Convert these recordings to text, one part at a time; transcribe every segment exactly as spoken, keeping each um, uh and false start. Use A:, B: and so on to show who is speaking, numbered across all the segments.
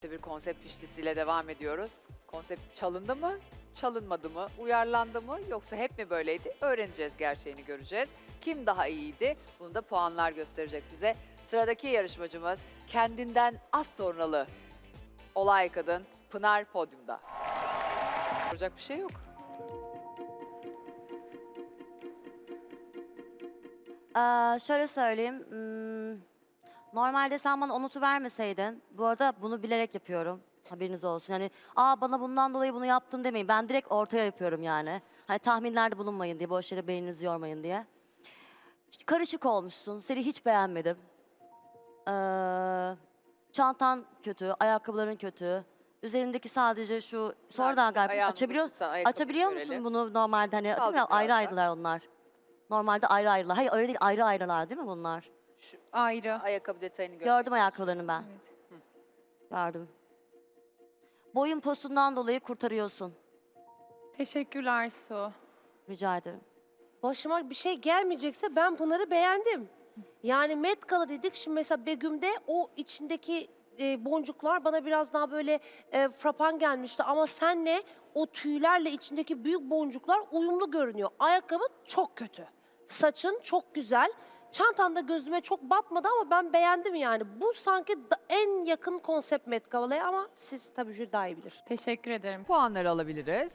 A: Bir konsept pişlisiyle devam ediyoruz. Konsept çalındı mı, çalınmadı mı, uyarlandı mı yoksa hep mi böyleydi? Öğreneceğiz, gerçeğini göreceğiz. Kim daha iyiydi? Bunu da puanlar gösterecek bize. Sıradaki yarışmacımız kendinden az sonralı olay kadın Pınar podyumda. Soracak bir şey yok.
B: Ee, şöyle söyleyeyim. hmm, Normalde sen bana onutu vermeseydin, bu arada bunu bilerek yapıyorum. Haberiniz olsun. Yani aa bana bundan dolayı bunu yaptın demeyin. Ben direkt ortaya yapıyorum yani. Hani tahminlerde bulunmayın diye, boş yere beyninizi yormayın diye. İşte karışık olmuşsun. Seni hiç beğenmedim. Ee, çantan kötü, ayakkabıların kötü. Üzerindeki sadece şu sonradan galiba
A: Ayağını
B: açabiliyor
A: uzatırsan ayakkabıyı
B: açabiliyor
A: görelim.
B: musun bunu normalde hani değil
A: Kaldır
B: mi? Ayrı
A: biraz
B: ayrılar onlar. Normalde ayrı ayrılar. Hayır öyle değil, ayrı ayrılar değil mi bunlar?
A: Şu
C: Ayrı.
A: ayakkabı detayını gör.
B: Gördüm ayakkabılarını ben.
C: Evet.
B: Gördüm. Boyun posundan dolayı kurtarıyorsun.
C: Teşekkürler Su.
B: Rica ederim.
D: Başıma bir şey gelmeyecekse ben Pınar'ı beğendim. Yani Met Gala dedik, şimdi mesela Begüm'de o içindeki e, boncuklar bana biraz daha böyle e, frapan gelmişti. Ama senle o tüylerle içindeki büyük boncuklar uyumlu görünüyor. Ayakkabın çok kötü. Saçın çok güzel. Çantan da gözüme çok batmadı ama ben beğendim yani. Bu sanki da- en yakın konsept Met Gala'ya ama siz tabii jüri daha iyi bilir.
C: Teşekkür ederim.
A: Puanları alabiliriz.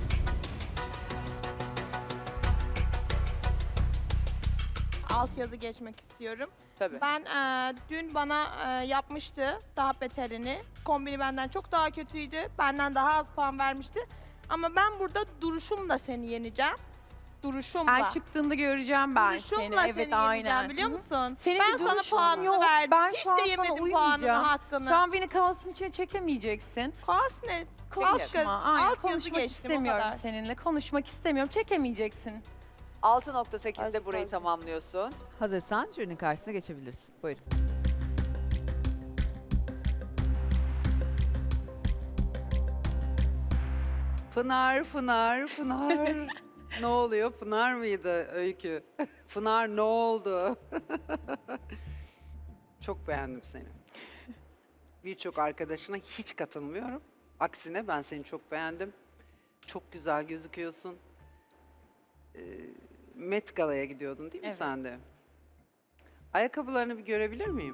E: Altyazı geçmek istiyorum.
A: Tabii.
E: Ben e, dün bana e, yapmıştı daha beterini. Kombini benden çok daha kötüydü. Benden daha az puan vermişti. Ama ben burada duruşumla seni yeneceğim. Duruşumla.
C: Her çıktığında göreceğim ben
E: duruşumla
C: seni.
E: seni
C: Evet
E: yeneceğim
C: aynen.
E: biliyor
C: Hı hı.
E: musun?
C: Senin
E: ben
C: bir
E: sana
C: duruşun
E: puanını
C: yok.
E: verdim.
C: Ben
E: Hiç
C: şu an
E: de
C: sana
E: yemedim puanını,
C: uymayacağım.
E: hakkını.
C: Şu an beni kaosun içine çekemeyeceksin.
E: Kaos ne?
A: Konuşma,
E: Alt, yaz,
C: Aynen,
E: alt yazı
C: konuşmak
E: geçtim o
C: istemiyorum
E: kadar.
C: seninle. Konuşmak istemiyorum. Çekemeyeceksin.
A: altı nokta sekizde
B: Azıcık
A: burayı
B: fazla.
A: tamamlıyorsun. Hazırsan jürinin karşısına geçebilirsin. Buyurun.
F: Pınar, Pınar, Pınar. Ne oluyor? Pınar mıydı Öykü? Pınar ne oldu? Çok beğendim seni. Birçok arkadaşına hiç katılmıyorum. Aksine ben seni çok beğendim. Çok güzel gözüküyorsun. Ee, Met Gala'ya gidiyordun değil mi
C: Evet.
F: sen de? Ayakkabılarını bir görebilir miyim?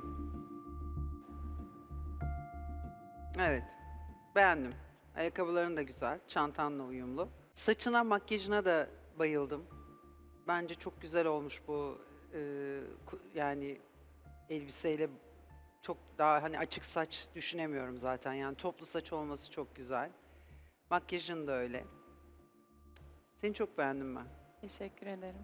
F: Evet, beğendim. Ayakkabıların da güzel, çantanla uyumlu. Saçına, makyajına da bayıldım. Bence çok güzel olmuş bu e, ku- yani elbiseyle çok daha hani açık saç düşünemiyorum zaten. Yani toplu saç olması çok güzel. Makyajın da öyle. Seni çok beğendim ben.
C: Teşekkür ederim.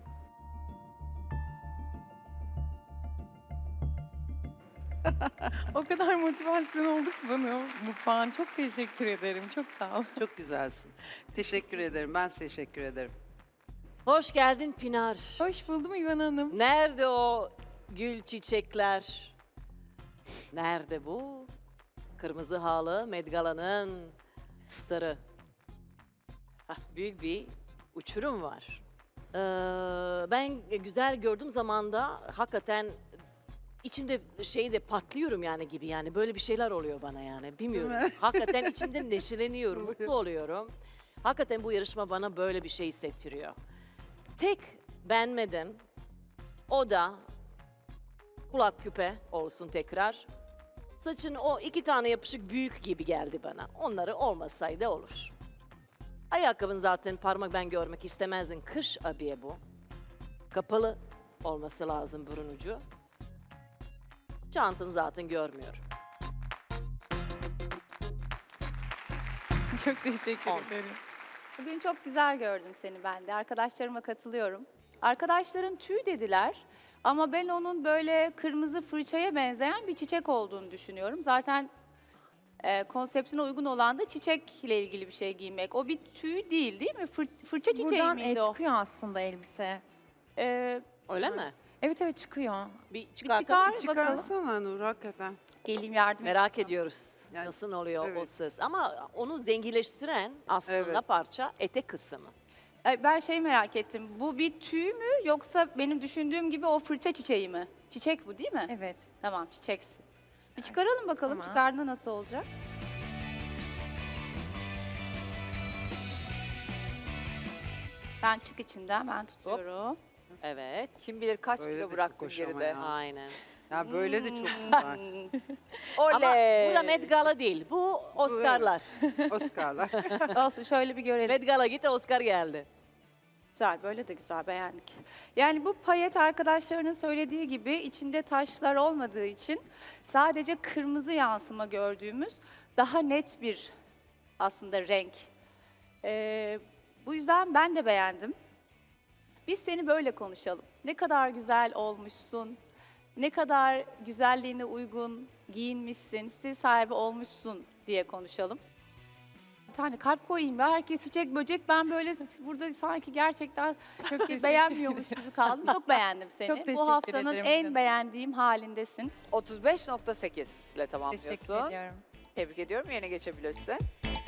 C: O kadar motivasyon oldu ki bana bu puan. Çok teşekkür ederim. Çok sağ ol.
F: Çok güzelsin. Teşekkür ederim. Ben teşekkür ederim.
G: Hoş geldin Pinar.
C: Hoş buldum İvan Hanım.
G: Nerede o gül çiçekler? Nerede bu? Kırmızı halı Met Gala'nın starı. Hah, büyük bir uçurum var. Ee, ben güzel gördüğüm zaman da hakikaten içimde şey de patlıyorum yani gibi yani böyle bir şeyler oluyor bana yani bilmiyorum. Hakikaten içimde neşeleniyorum, mutlu oluyorum. Hakikaten bu yarışma bana böyle bir şey hissettiriyor. Tek beğenmedim. O da kulak küpe olsun tekrar. Saçın o iki tane yapışık büyük gibi geldi bana. Onları olmasaydı olur. Ayakkabın zaten parmak ben görmek istemezdim. Kış abiye bu. Kapalı olması lazım burun ucu. Çantanı zaten görmüyorum.
C: Çok teşekkür
G: On.
C: ederim.
H: Bugün çok güzel gördüm seni ben de. Arkadaşlarıma katılıyorum. Arkadaşların tüy dediler ama ben onun böyle kırmızı fırçaya benzeyen bir çiçek olduğunu düşünüyorum. Zaten e, konseptine uygun olan da çiçekle ilgili bir şey giymek. O bir tüy değil değil mi? Fır- fırça çiçeği
C: Buradan e,
H: miydi o?
C: çıkıyor aslında elbise.
H: E,
G: Öyle mi?
C: Evet evet çıkıyor.
G: Bir
H: bir
G: çıkartalım.
H: çıkar bakalım.
F: Çıkarsana Nur hakikaten.
H: Geleyim yardım
G: Merak
H: edeyim.
G: ediyoruz
F: Yani,
G: nasıl oluyor o
F: evet.
G: ses. Ama onu zenginleştiren aslında
F: Evet.
G: parça etek kısmı.
H: E, Ben şey merak ettim. Bu bir tüy mü yoksa benim düşündüğüm gibi o fırça çiçeği mi? Çiçek bu değil mi?
C: Evet.
H: Tamam çiçeksin. Bir çıkaralım bakalım
C: Tamam.
H: çıkardığında nasıl olacak? Ben çık içinden, ben tutuyorum.
G: Evet.
A: Kim bilir kaç
F: Böyle de
A: kilo
F: çok
A: bıraktın
F: hoş ama
A: geride.
F: ya.
G: Aynen.
F: Ya böyle de çok
A: Hmm.
F: güzel.
G: Ama
A: Oley!
G: burada Met Gala değil. Bu Oscar'lar.
F: Oscar'lar.
H: Olsun şöyle bir görelim.
G: Met Gala gitti, Oscar geldi.
H: Güzel, böyle de güzel, beğendik. Yani bu payet arkadaşlarının söylediği gibi içinde taşlar olmadığı için sadece kırmızı yansıma gördüğümüz daha net bir aslında renk. Ee, bu yüzden ben de beğendim. Biz seni böyle konuşalım. Ne kadar güzel olmuşsun, ne kadar güzelliğine uygun giyinmişsin, stil sahibi olmuşsun diye konuşalım. Bir tane kalp koyayım ya. Herkes çiçek böcek. Ben böyle burada sanki gerçekten çok
C: teşekkür
H: beğenmiyormuş gibi kaldım. Çok beğendim seni.
C: Çok teşekkür
H: Bu haftanın
C: ederim
H: en
C: canım.
H: beğendiğim halindesin.
A: otuz beş nokta sekiz ile
C: Teşekkür
A: tamamlıyorsun.
C: ediyorum.
A: Tebrik ediyorum. Yerine geçebilirsin.